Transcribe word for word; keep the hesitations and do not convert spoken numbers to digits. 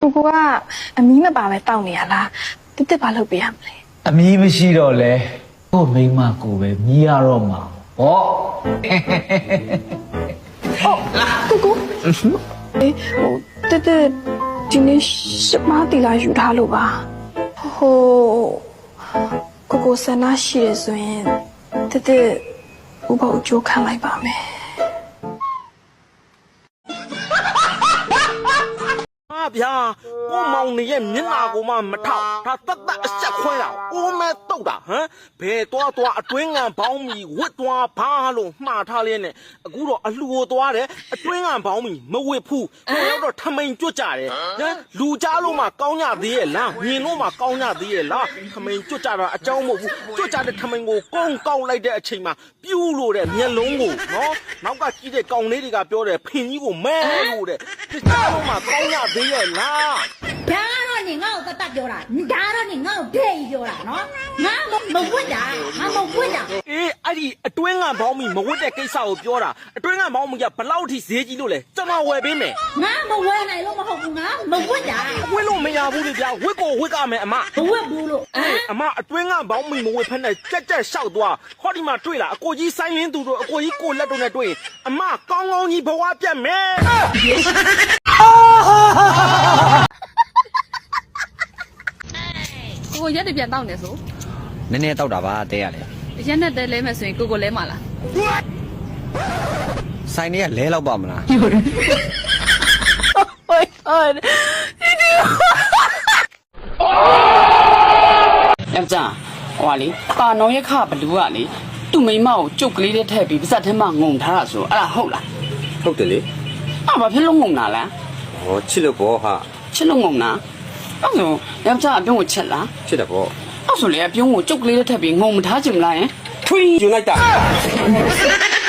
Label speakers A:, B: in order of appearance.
A: ကိုကိုကအမီးမပါပဲတောက်နေရလားတစ်တစ်ဘာလုပ်ပေးရမလဲ
B: အမီးမရှိတော့လဲကို့မိန်းမကိုပဲမြည်ရတော့မှာဟော
A: အော်ကိုကိုအေးဟိုတစ်တစ်ဒီနေ့ရှမတီလာယူထားလို့ပါဟိုကိုကိုဆန္ဒရှိရဆိုရင်တစ်တစ်ဥပ္ပအကျိုးခံလိုက်ပါမယ်
C: ဗျာကိုမောင်နေရဲ့မျက်နာကိုမှမထောက်ဒါတတ်တတ်အဆက်ခွဲတာအိုးမဲတုတ်တာဟမ်ဘယ်သွားသွားအတွင်းငံဘောင်းမီဝစ်သွားဘာလို့မှားထားလဲနဲ့အခုတော့အလှူကိုသွားတယ်အတွင်းငံဘောင်းမီမဝစ်ဘူးဟိုရောက်တော့ထမိန်ကြွကြတယ်ဟမ်လူကြားလို့မှကောင်းကြသေးရဲ့လားမြင်လို့မှကောင်းကြသေးရဲ့လားထမိန်ကြွကြတာအကြောင်းမဟုတ်ဘူးကြွကြတဲ့ထမိန်ကိုကုန်းကောက်လိုက်တဲ့အချိန်မှာပြူးလို့တဲ့မျက်လုံးကိုနော်နောက်ကကြည့်တဲ့ကောင်လေးတွေကပြောတယ်ဖင်ကြီးကိုမဲလို့တဲ့ကြားလို့မှကောင်းကြသေးရဲ့လား
D: ဒါတော့နေငါ့ကိုတတ်တတ်ပြောတာဒါတော့နေငါ့ကိုဒဲ့ကြီးပြောတာနော်ငါမဝတ်တာငါမဝတ်တာ
C: အေးအဲ့ဒီအတွင်းငံဘောင်းမီမဝတ်တဲ့ကိစ္စကိုပြောတာအတွင်းငံဘောင်းမီကဘလောက်ထိဈေးကြီးလို့လဲကျွန်တော်ဝယ်ပေးမယ်
D: ငါမဝယ်နိုင်လို့မဟုတ်ဘူးငါမဝတ်တာ
C: ဝတ်လို့မရဘူးလေဗျာဝတ်ကိုဝတ်ကမယ်အမ
D: မဝတ်ဘူးလို့
C: အမအတွင်းငံဘောင်းမီမဝတ်ဖက်နဲ့ကြက်ကြက်လျှောက်သွားဟောဒီမှာတွေ့လားအကိုကြီးဆိုင်းရင်းသူတို့အကိုကြီးကိုလက်တို့နဲ့တွေ့ရင်အမကောင်းကောင်းကြီးဘဝပြတ်မယ်
E: ကိုရက်တပြန်တောက်နေဆို
F: နည်းနည်းတောက်တာပါတဲရတယ်
E: ရက်နဲ့တဲလဲမယ်ဆိုရင်ကိုကိုလဲမှာလား
F: ဆိုင်တွေကလဲလောက်ပါမလား
A: Oh my god
G: ယောက်ျားဟိုကလေပါနောင်ရက်ခဘလူးကလေသူ့မိန်းမကိုကြုတ်ကလေးနဲ့ထည့်ပြီးပါဇက်ထဲမှာငုံထားတာဆိုအဲ့ဒါဟုတ်လား
F: ဟုတ်တယ်လေ
G: အဲ့ဘာဖြစ်လို့ငုံတာလဲ
F: ဟောချစ်လို့ဘောဟာ
G: ချစ်လို့ငုံတာအဲ့ဆိုယောက်ျားအပြုံးကိုချက်လား
F: ချစ်တယ်ဘော
G: အဲ့ဆိုလေအပြုံးကိုကြုတ်ကလေးနဲ့ထည့်ပြီးငုံမထားချင်မလားယင်
F: ထွေးယူလိုက်တာ